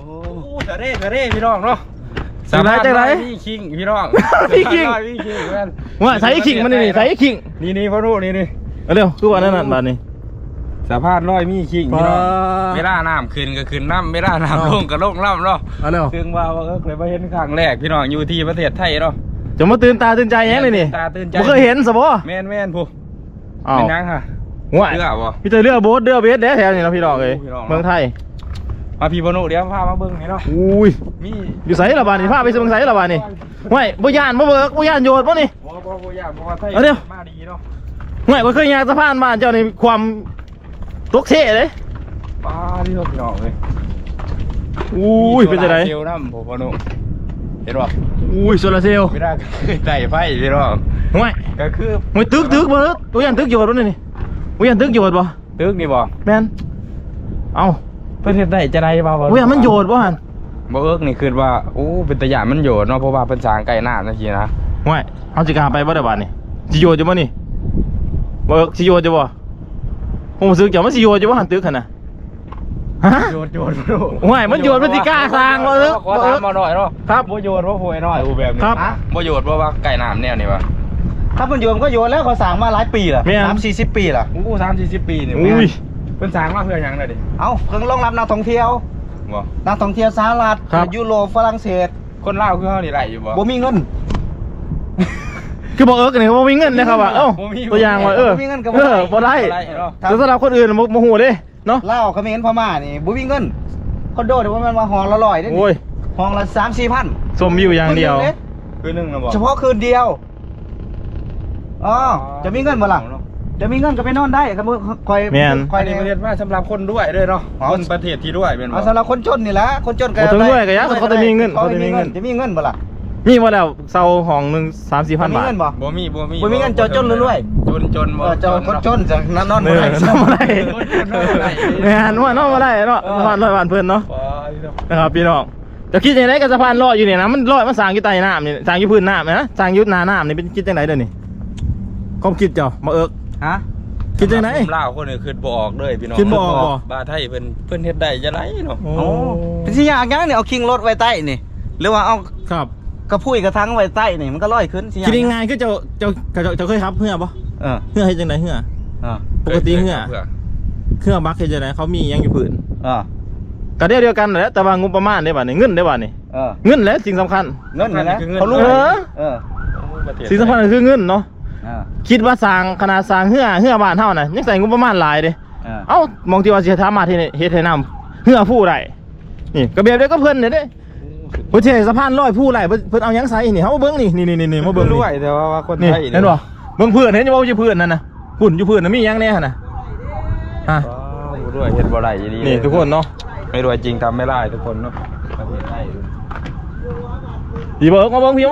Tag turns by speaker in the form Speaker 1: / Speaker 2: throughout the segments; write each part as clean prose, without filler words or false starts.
Speaker 1: จะเร่พี่น้องเนาะ
Speaker 2: จังไร
Speaker 1: พี่คิงพี่น้อง
Speaker 2: พี่คิงว่าใส่คิงมันนี่ใส่คิง
Speaker 1: นี่พ่อรู้นี่
Speaker 2: เร็วคือว่านั่นบาทนี่
Speaker 1: สภาพน้อยมีคิงพี่น้องไม่ล่าน้ำขึ้นก็ขึ้นน้ำไม่ล่าน้ำลงก็ลงน้ำเนาะซึ่งว่าเคยมาเห็นครั้งแรกพี่น้องอยู่ที่ประเทศไทยเนาะ
Speaker 2: จะมาตื่นตาตื่นใจยังเลยนี่
Speaker 1: ตาตื่นใจ
Speaker 2: ไม่เคยเห็นสบ
Speaker 1: แม่นผู้เป็นยังค่ะ
Speaker 2: เรือบ่พี่เตอเรือโบ๊ทเรือเบสแถวนี่นะพี่น้องเลยเมืองไทย
Speaker 1: มาพี่บนุเดี๋ยวพามาเบิ้งให้เนาะ
Speaker 2: อุ้ยมีอยู่ไสละบานี่พาไปเมืองไสละบานี่ไม่บ่ย่านบ่เบิกบ่ย่านโยดบ่นี่
Speaker 1: บ่ย่านบ่ว่าไทยมาดีเนาะ
Speaker 2: ไม่บ่เคยย่างสะพานบ้านเจ้านี่ความตกเท่เลย
Speaker 1: ป้าที่พี่น้องเลย
Speaker 2: อุ้ยเป็นจังได๋
Speaker 1: เซลน้ำผมบนุเห็นบ่
Speaker 2: อุ้ยโซลาเซลล์
Speaker 1: ไม่ได้ไต่ไฟพี่น้อง
Speaker 2: ไม่
Speaker 1: ก็คือ
Speaker 2: ไม่ตึกบ่บ่ย่านตึกโยดบ่นี่บ่ย่านตึกโยดบ่
Speaker 1: ตึกนี่บ่
Speaker 2: แม่นเอ้า
Speaker 1: ประเทศใดจะได้บ่
Speaker 2: บ่ย่านมันโยดบ่หั่น
Speaker 1: บ่เอิกนี่คือว่าโอ้เป็นตะยานมันโยดเนาะเพราะว่าเป็นสร้างใกล้น้ำจังซี่นะ
Speaker 2: ไม่เอาสิกล้าไปบ่ได้บาดนี่สิโยดอยู่บ่นี่บ่เอิกสิโยดอยู่บ่ผมรู้สึกจะมันสิโยดอยู่บ่หั่นตึกหั่นน่ะฮะ
Speaker 1: โยด
Speaker 2: ไม่มันโยดมันสิกล้าสร้างบ่เอิก
Speaker 1: ขอถามมาหน่อยเนาะ
Speaker 2: ครับ
Speaker 1: บ่โยดบ่โหยหน่อยอูแบบนี้บ่โยดเพราะว่าใกล้น้ำแนวนี้วะ
Speaker 3: ถ้ามันโยนก็โยนแล้วเขาสั่งมาหลายปีล่ะ30-40 ปีล่ะ
Speaker 1: อู้30-40 ปีนี่
Speaker 2: อุ้ย
Speaker 1: เป็นสั่งมาเพื่อหยังเลยดิ
Speaker 3: เอ้าเพิ่งรองรับนักท่องเที่ยวนักท่องเที่ยวสหรัฐยุโรปฝรั่งเศส
Speaker 1: คนลาวคือเฮานี่ได้อยู่
Speaker 3: บ่มีเงิน
Speaker 2: คือบอกนี่บ่มีเงินนะครับว่าตัวอย่างว่าบ่มีเงินก็บ่ได้แต่สำหรับคนอื่นบ่ฮู้เด้เนาะ
Speaker 3: ลาวเขมรพม่านี่บ่มีเงินคอนโดเดี๋ยวมันมาห้องละ100เด้
Speaker 2: โอ้ย
Speaker 3: ห้องละ 3-4 พัน
Speaker 2: ชมวิวอย่างเดียว
Speaker 1: คืนนึงนะบ่
Speaker 3: เฉพาะคืนเดียวอ๋อจะมีเงินบ่ล่ะจะมีเงินก็ไปนอนได้ครับคอย
Speaker 1: ในประเทศว่าสำหรับคนด้วยเนาะคนประเทศที่ด้วยเป็น
Speaker 3: สำหรับคนจนนี่แหละคนจน
Speaker 2: ก็ด้วยก็ยากเขาจะมีเงิน
Speaker 3: จะมีเงินบ่ล่ะ
Speaker 2: มีบ่แล้วเซาห้องนึง 3-4 พันบาท
Speaker 1: บ่มี
Speaker 3: เงินจนรวย
Speaker 1: จนบ่
Speaker 3: คนจนจะนอนบ่ได้
Speaker 2: แม่นว่านอนบ่ได้เนาะสะพานลอยบ้านเพิ่นเนาะนะครับพี่น้องจะคิดยังไงกับสะพานลอยอยู่เนี่ยนะมันลอยมันสร้างอยู่ใต้น้ำนี่สร้างอยู่พื้นน้ำนะสร้างอยู่หน้าน้ำนี่เป็นคิดจังไดเด้อนี่ความคิดเจ้ามาเอิก
Speaker 3: ฮะ
Speaker 2: คิดจังได๋
Speaker 1: ลาวคนนึงคิดบ่ออกเลยพี่น้อง
Speaker 2: คิดบ่ออก
Speaker 1: บ่ไทยเพิ่นเฮ็ดได้จังได๋เนาะ
Speaker 3: โอ้เป็นสิยากยังนี่เอาคิงรถไว้ใต้นี่หรือว่าเอา
Speaker 2: ครับ
Speaker 3: กระพุ้ยกระทังไว้ใต้นี่มันก็ลอยขึ้นสิ
Speaker 2: คิดง่ายๆคือเจ้าเคยครับเหือบ่เหือเฮ็ดจังได๋เหือปกติเหือบักเฮ็ดจังได๋เขามีหยังอยู่พื้นก็เดียวกันแหละแต่ว่างบประมาณได้บัดนี้เงินได้บัดนี้เงินแหละสิ่งสำคัญ
Speaker 3: เงินนะเขารู้
Speaker 2: สิ่งสำคัญคือเงินเนาะคิดว่าสร้างขนาดสร้างเหือบ้านเฮาน่ะยังใส่งบประมาณหลายเด้เอ้ามองที่ว่าสิสามารถเฮ็ดให้น้ำเหือผู้ได้นี่ก็แบบเดียวก็เพิ่นเด้เพิ่นสิให้สะพานลอยผู้ได้เพิ่นเอาหยังใส่นี่เฮาเบิ่งนี่มาเบิ่ง
Speaker 1: ด้วยแต่ว่าคนไทย
Speaker 2: เห็นบ่เบิ่งเพื่อนเห็นบ่ว่าอยู่เพื่อนนั่นน่ะหุ่นอยู่เพื่อนน่ะมีหยังแน่หั่นน่ะฮะ
Speaker 1: ด้วยเฮ็ดบ่ได้ดี
Speaker 2: นี่ทุกคนเนาะ
Speaker 1: ไม่รวยจริงทำไม่ได้ทุกคนเนาะประเทศไทย
Speaker 2: พี่เบิ่งมาเบิ่งพี่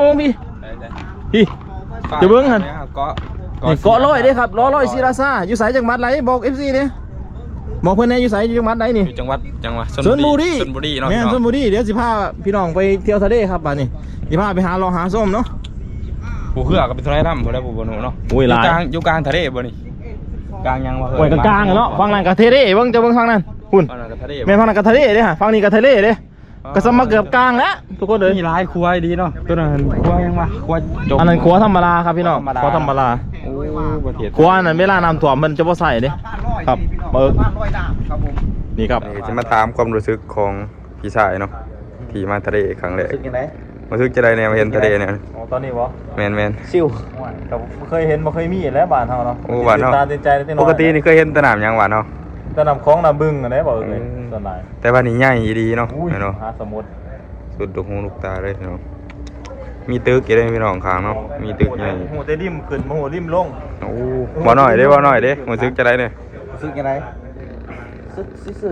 Speaker 2: จะเบิ่งหั่นเกาะลอยเด้ครับลอยศิราซาอยู่ไสจังหวัดไหนบอก FC นี่บอกเพิ่นแน่อยู่ไสอยู่จังหวัดไหนนี่
Speaker 1: จังหวัด
Speaker 2: ชลบุรี
Speaker 1: เนาะ
Speaker 2: แม่นชลบุรีเดี๋ยวสิพาพี่น้องไปเที่ยวทะเลครับบัดนี้สิพาไปหาส้มเนาะ
Speaker 1: ผู้เหือก็เป็นทะเลน้ำบ่ได้ผู้บ่หนูเนาะอยู่กลางทะเลบ่นี่กลางยังว่า
Speaker 2: โอ้ยกลางเนาะฝั่งนั้นก็ทะเลเบิ่งจะเบิ่งฝั่งนั้นคุณแม่ฝั่งนั้นก็ทะเลเด้ฮะฝั่งนี้ก็ทะเลเด้ก็สมมาเกือบกลางแล้วทุกคนเลย
Speaker 1: มีหลายครัวดีเนาะตัวนั้นครัวยังวะครัว
Speaker 2: อันนั้นครัวธรรมดาครับพี่น้องครัวธรรมดาครัวนั้นเวลาน้ำท่วมมันจะบ่ใส่เด้ครับเบิกนี่ครับ
Speaker 1: จะมาถามความรู้สึกของพี่ชายเนาะที่มาทะเลครั้งแรกรู้สึกจะได้แนวเห็นทะเลเนี่ย
Speaker 2: ตอนนี้วะ
Speaker 1: แมน
Speaker 2: ซิวเคยเห็นบ่เคยมีแล้วบ้านเฮาเนาะ
Speaker 1: โอ้บ้านเฮาปกตินี่เคยเห็นสนามยังบ้านเฮา
Speaker 2: สนามคลองน้ำบึงอันนี้บอกเลยส่วนใหญ่
Speaker 1: แต่ว่านี่ใหญ่ดีเนาะเนาะ
Speaker 2: สมุทร
Speaker 1: สุดลูกหูลูกตาเลยเนาะมีตึกอะไรพี่น้องข้างเนาะมีตึกใหญ่
Speaker 2: หูเตดิมขึ้นหูริมลง
Speaker 1: โอ้บ่หน่อยเด้รู้สึกจะได้เนี่ย
Speaker 3: รู้สึกจะได้ซื่อ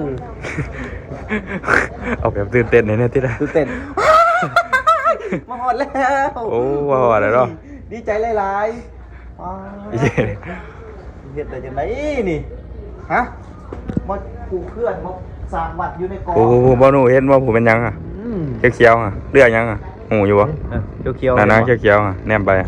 Speaker 1: เอาแบบตื่นเต้นเนี่ยที่ได้
Speaker 3: ตื่นเต้นมาหอดแล้ว
Speaker 1: โอ้มาหอดแล้วเนาะ
Speaker 3: ดีใจหลายๆเฮ็ดได้จังได๋นี่ฮะมาผูกเพื่อนมาสร้างวัดอยู่ในกอง
Speaker 1: โอ้บ่หนูเห็นว่าผู้เป็นยังอ่ะเขียวๆอ่ะเลือดยังอ่ะหูอยู่บ่
Speaker 3: เขียว
Speaker 1: นั่นเขียวๆอ่ะแนมไป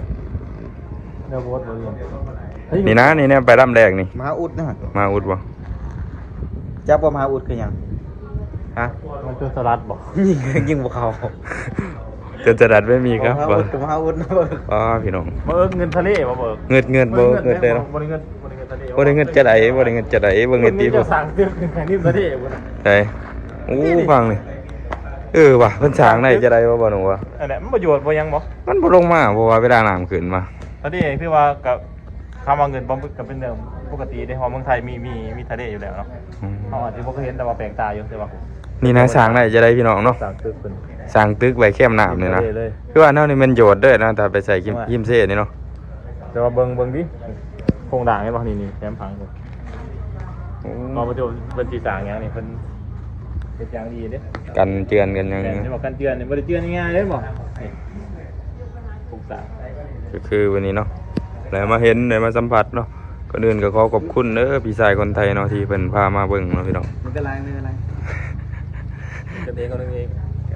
Speaker 1: นี่นะนี่แนมไปลำแรกนี่
Speaker 3: มหาอุดนะ
Speaker 1: มหาอุดบ่
Speaker 3: จับว่ามหาอุดคือหยังฮะ
Speaker 2: มันจนสลัดบอก
Speaker 3: ยิงพวกเขา
Speaker 1: จนจะดัดไม่มีครับ
Speaker 3: มาอุดนะเบิก
Speaker 1: อ๋อพี่น้อง
Speaker 2: มาเงินทะเลมาเบิก
Speaker 1: เงินเงินได้เนาะ
Speaker 2: บริเงินทะเล
Speaker 1: บ่ได้เงินจะได้บ่ได้เงินจะได้เบิ่งเงินตี
Speaker 2: จะสั่งเตือนแข่งนิ่มทะเลบุญ
Speaker 1: ใช่โอ้ฟังนี่ว่ะเพิ่นสร้างได้จะได้บ่หนูวะ
Speaker 2: อันนี้มันประโยชน์บ่ยังบ่
Speaker 1: มันบ่ลงมาเพราะว่าเวลาน้ำขึ้นมา
Speaker 2: ทะเลคือว่ากับคำว่าเงินบ่กับเป็นเรื่องปกติในฮอเมืองไทยมีทะเลอยู่แล้วเนาะเขาอาจจะบ่เคยเห็นแต่ว่าแปลงตาอยู่แต่ว่า
Speaker 1: นี่นะสร้างได้จะได้พี่น้องเนาะ
Speaker 2: สั่งตึกเป็น
Speaker 1: สร้างตึกไว้แคมน้ำนี่นะคือว่าแนวนี้มันโยชน์เด้อนะถ้าไปใส่ยิมเซ่นี่เนาะ
Speaker 2: แต่ว่าเบิ่งดิโครงด่างไงบ่นี่แคมพังเลยพอมาดูเป็นสีสางอย่างนี้เป็นอย่างดีเด้
Speaker 1: กันเจือนกันยัง
Speaker 2: จะบอกกันเตือนเนี่ยบ่ได้เตือนง่ายๆเด้บ่ปลูกสาง
Speaker 1: ก็คือวันนี้เนาะแล้วมาเห็นได้มาสัมผัสเนาะก่อนอื่นก็ขอขอบคุณเด้อพี่ชายคนไทยเนาะที่เพิ่นพามาเบิ่งเนาะพี่น้อง
Speaker 3: ไม่เป็นไร
Speaker 2: กันเองกันเอง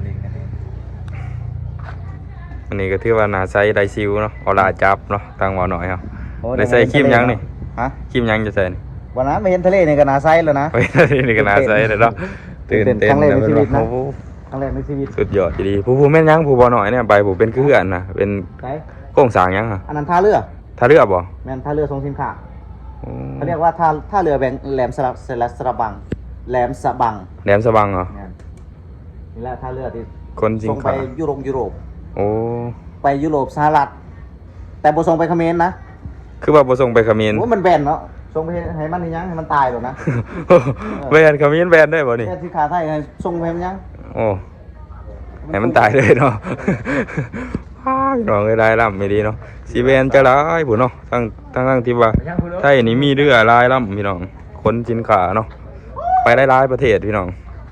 Speaker 1: อันนี้ก็ถือว่าน่าใช้ได้ซิวเนาะเอาลาจับเนาะทางหมอหน่อยครับได้ใส่ครีมยังนี่
Speaker 3: ฮะ
Speaker 1: ครีมยังจะใส่นี่
Speaker 3: วันนั้นไม่เห็นทะเลในกระนาไซแล้วนะ
Speaker 1: เฮ้ยนี่ก็น่าใช้เลยเนาะตื่นเต้น
Speaker 3: ครั้งแรกในชีวิตนะ
Speaker 1: โอ้โห
Speaker 3: ครั้งแรกในชีวิต
Speaker 1: สุดยอดดีผู้แม่นยังผู้บ่หน่อยเนี่ยใบผู้เป็นคืออันน่ะเป็น
Speaker 3: ไหน
Speaker 1: โครงสร้างยังอ่ะ
Speaker 3: อันนั้นท่าเรือ
Speaker 1: ถ้าเรือบ่
Speaker 3: แมนท่าเรือทรงสินค้า
Speaker 1: โอ้
Speaker 3: เขาเรียกว่าท่าเรือแบงแหลมสระบังแหลมสะบัง
Speaker 1: แหลมสะบังเหรอ
Speaker 3: นี่แหละท่าเรือที่
Speaker 1: คนสิง
Speaker 3: ส่งไป
Speaker 1: ค้า
Speaker 3: ยุโรป
Speaker 1: โอ้
Speaker 3: ไปยุโรปสหรัฐแต่บ่ส่งไปเขมรนะ
Speaker 1: คือว่าบ่ส่งไปเขมร
Speaker 3: โอ้มันแบนเนาะส่งไปให้มันยังให้มันตายหรอกนะ
Speaker 1: แบนเขมรแบนได้บ่นี่
Speaker 3: แค่ที่ขาไทยให้ส่งไปให้มันยัง
Speaker 1: โอ้ให้มันตายเลยเนาะ พี่น้องได้ล่ำไม่ดีเนาะสีแบนจะร้ายผู้เนาะทั้งที่ว่าไทยนี่มีเรือลายล่ำพี่น้องคนสินค้าเนาะไปได้หลายประเทศพี่น้อง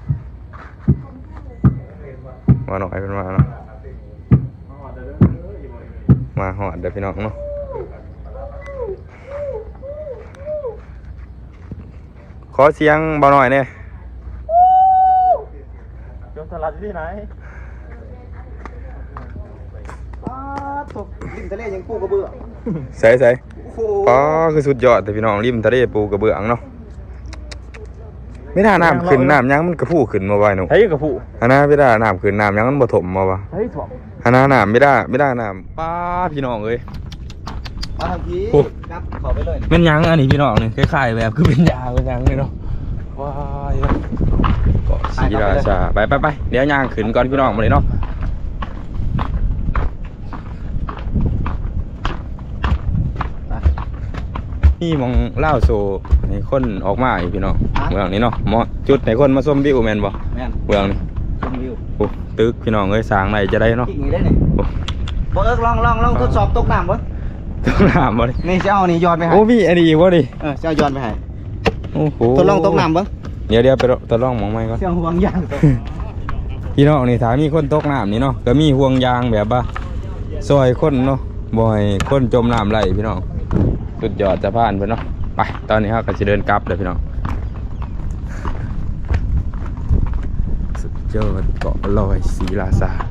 Speaker 1: มาหน่อยเป็นมาเนาะมาหอดเด้อพี่น้องเนาะขอเสียงเบาหน่อยเนี่ย
Speaker 2: จมสลัดอยู่ที่ไหน
Speaker 3: ตกริมทะเลยังปูกระเบื้อง
Speaker 1: ใส่
Speaker 3: โอ้โห
Speaker 1: อ๋อคือสุดยอดแต่พี่น้องริมทะเลปูกระเบื้องเนาะไม่ได้น้ำขึ้นน้ำยังมันกระพู้ขึ้นมาไว้หนู
Speaker 2: ใช้กับผู้
Speaker 1: อันนั้นไม่ได้น้ำขึ้นน้ำยังมันบ่ถมมาวะ
Speaker 2: ใช้ถ่วง
Speaker 1: อันนั้นน้ำไม่ได้น้ำป้าพี่น้องเอ้ย
Speaker 3: มาทางนี้
Speaker 1: โอ้
Speaker 3: ครับขอไปเลย
Speaker 1: เป็นยังอันนี้พี่น้องนี่คล้ายๆแบบคือเป็นยาเป็นยังเลยเนาะว้ายเกาะศรีราชาไปเดี๋ยวย่างขึ้นก่อนพี่น้องมาเลยเนาะนี่มองเล่าโซให้คนออกมาอีกพี่น้องเมืองนี้เนาะเหมาะจุดให้คนมาชมวิวแมนบ่
Speaker 3: แม่น
Speaker 1: เมืองนี้
Speaker 3: ชมวิว
Speaker 1: โอ้ตึกพี่น้องเอ้ยสร้างไหนจะได้เนาะ
Speaker 3: กิ่งนี้ได้นี่
Speaker 1: โอ้
Speaker 3: บ่เอิกลองทดสอบตกน้ำบ่
Speaker 1: ต้องถามบ่ดิ
Speaker 3: นี่จะเอานี่ย้อนไปให้
Speaker 1: โอ้มีอันนี้อีกบ่ดิ
Speaker 3: จะเอาย้อนไปให้
Speaker 1: โอ้โห
Speaker 3: ทดลองตกน้ำบ่
Speaker 1: เดี๋ยวไปทดลองมองไม้ก่อน
Speaker 3: เสียงห่วงยางตก
Speaker 1: พี่น้องนี่ถ้ามีคนตกน้ำนี่เนาะก็มีห่วงยางแบบว่าซอยคนเนาะบ่ให้คนจมน้ำไหลพี่น้องสุดยอดสะพานเพิ่นเนาะไปตอนนี้เราก็จะเดินกลับเลยพี่น้องสุดยอดเกาะลอยศรีราชา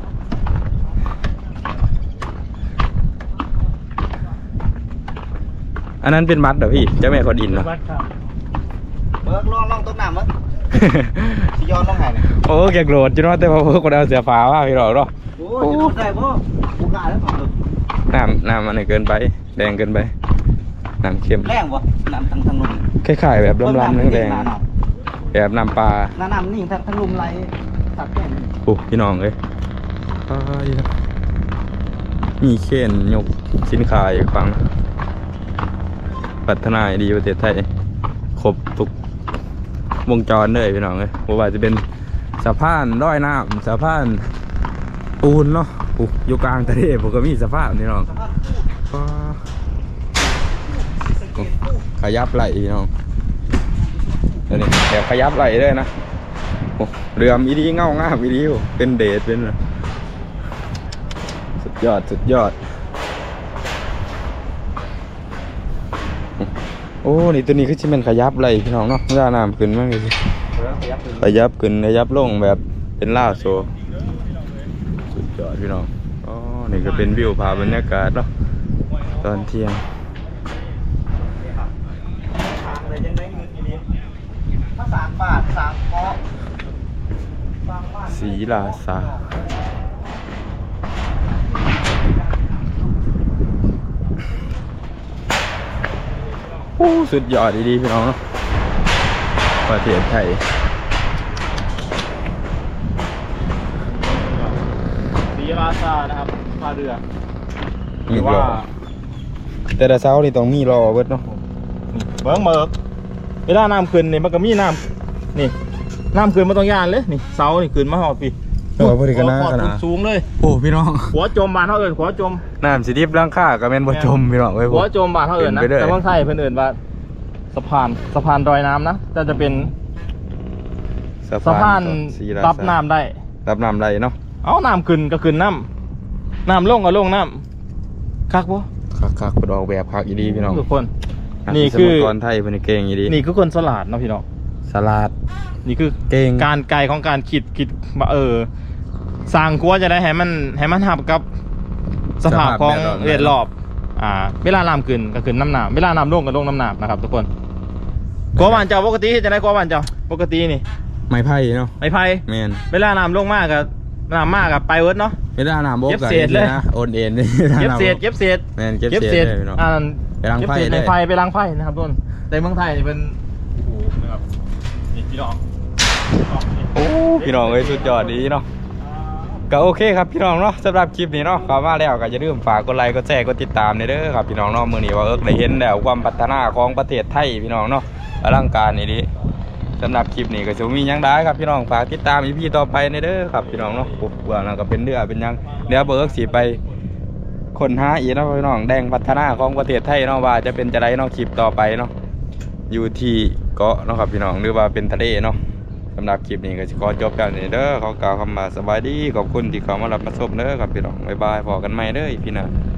Speaker 1: อันนั้นเป็นมัดเหรอพี่เจ้าแม่คนอินเนาะ
Speaker 2: บ้านข้าว
Speaker 3: เอิกลองตกน้ำบ่สิย้อนลงให้นี่
Speaker 1: โอ้แกโกรธจุ๊เนาะแต่ว่าเพิ่นคนเอาเสือฟ้าว่าพี่น้องเนาะ
Speaker 3: โอ้ยจะโดนได้บ่กูกล้าแล้วครับ
Speaker 1: น้ำมันเกินไปแดงเกินไปน้ำเค็ม
Speaker 3: แรงบ่น้ำทางลม
Speaker 1: คล้ายๆแบบล้ำๆแดงๆแบบน้ำปลา
Speaker 3: น้ำนี่ทางลมไหลตัดแก่น
Speaker 1: โอ้พี่น้องเอ้ยมีเข็นยกสินค้าอีกฝั่งพัฒนาให้ดีประเทศไทยครบทุกวงจรเลยพี่น้องเอ้ยบ่ว่าจะเป็นสะพานร้อยน้ำสะพานปูนเนาะอยู่กลางทะเลผมก็มีสะพานพี่น้องขยับไหลพี่น้องเดี๋ยวนี้แอบขยับไหลด้วยนะโอ้เรือมอีดีเงางามอีดีเป็นเดชเป็นสุดยอดโอ้นี่ตัวนี้คือชิเป็นขยับไหลพี่น้องเนาะย่าน้ำขึ้นมากเลยขยับขึ้นขยับลงแบบเป็นล่าโซสุดยอดพี่น้องอ๋อนี่ก็เป็นวิวภาพบรรยากาศเนาะตอนเที่ยง
Speaker 3: ถ้า3 บาท3 เกาะฟัง
Speaker 1: ศรีราชาโอ้สุดยอดดีๆพี่น้องเนาะประเทศไทย
Speaker 2: ศรีราชานะครับท่าเรือ
Speaker 1: มีรอแต่ละเช้านี่ต้องมีรอเบิดเนาะ
Speaker 2: เบิ่งเบิกเวลาน้ำขึ้นนี่มันก็มีน้ำนี่น้ำขึ้นมาตรงยานเลยนี่เสานี่ขึ้นมาหอดปี
Speaker 1: โอ้พอดีกันนะ
Speaker 2: หอด
Speaker 1: ขนาด
Speaker 2: สูงเลย
Speaker 1: โอ้พี่น้อง
Speaker 2: หัวจมบานเท่าเอิญหัวจม
Speaker 1: น้ำสิดิบร่างค่าก็แม่นบ่จมพี่น้องเว้ย
Speaker 2: หัวจมบานเท่าเอิญนะ
Speaker 1: ขึ้นไปเรื่อย
Speaker 2: แต่เมืองไทยเพิ่นเอิญว่าสะพานดอยน้ำนะแต่จะเป็นสะพาน
Speaker 1: ศรีราชา
Speaker 2: รับน้ำได้
Speaker 1: รับน้ำได้เนาะ
Speaker 2: เอาน้ำขึ้นก็ขึ้นน้ำลงก็ลงน้ำคักบ่
Speaker 1: คักๆเพิ่นออกแบบคักอีดีพี่น้อง
Speaker 2: ทุกคนนี่คือ
Speaker 1: สมกรไทยเพิ่นเก่งอีดี
Speaker 2: นี่คือคนสลาดเนาะพี่น้อง
Speaker 1: สลัด
Speaker 2: นี่คือ
Speaker 1: เก่ง
Speaker 2: การไกลของการคิดว่าสร้างครัวจะได้ให้มันหับกับสภาพของเรียนรอบเวลาน้ำขึ้นก็ขึ้นน้ำหนามเวลาน้ำลงก็ลงน้ำหนามนะครับทุกคนครัวบ้านเจ้าปกติจะได้ครัวบ้านเจ้าปกตินี่
Speaker 1: ไม้ไผ่เนาะ
Speaker 2: ไม้ไผ่
Speaker 1: แม่น
Speaker 2: เวลาน้ำลงมากกับน้ำมากกับไปเวิร์ดเนาะ
Speaker 1: เวลาน้ำบก
Speaker 2: เก็บ
Speaker 1: ก็
Speaker 2: เศษเลย
Speaker 1: นะโอนเอ็น
Speaker 2: เก็บเศษเก็บเศษ
Speaker 1: แม่นเก็บเศษเลยพี่น้อง ไปล้าง
Speaker 2: เก็บ
Speaker 1: ไฟ
Speaker 2: เศษใน
Speaker 1: เลย
Speaker 2: ไฟไปล้างไฟนะครับทุกคนแต่เมืองไทยนี่เป็นโอ้โหนะครับนี่พี่น้อง
Speaker 1: โอ้พี่น้องเอ้ยสุดยอดดีเนาะก็โอเคครับพี่น้องเนาะสำหรับคลิปนี้เนาะเข้ามาแล้วก็อย่าลืมฝากกดไลค์กดแชร์กดติดตามเด้อครับพี่น้องเนาะมื้อนี้ว่าได้เห็นแล้วความพัฒนาของประเทศไทยพี่น้องเนาะอลังการนี่ดิสำหรับคลิปนี้ก็จะมีหยังได้ครับพี่น้องฝากติดตามอีพีต่อไปเด้อครับพี่น้องเนาะโอ้เบื่อแล้วก็เป็นเรือเป็นหยังเดี๋ยวเบิกสิไปค้นหาอีกเนาะพี่น้องแดงพัฒนาของประเทศไทยเนาะว่าจะเป็นจะไรเนาะคลิปต่อไปเนาะอยู่ที่เกาะเนาะครับพี่น้องหรือว่าเป็นทะเลเนาะสำหรับคลิปนี้ก็จะขอจบกันนี่เด้อขอกล่าวคำว่าสบายดีขอบคุณที่เข้ามารับมาชมเด้อครับพี่น้องบ๊ายบายพอกันใหม่เด้อพี่น้อง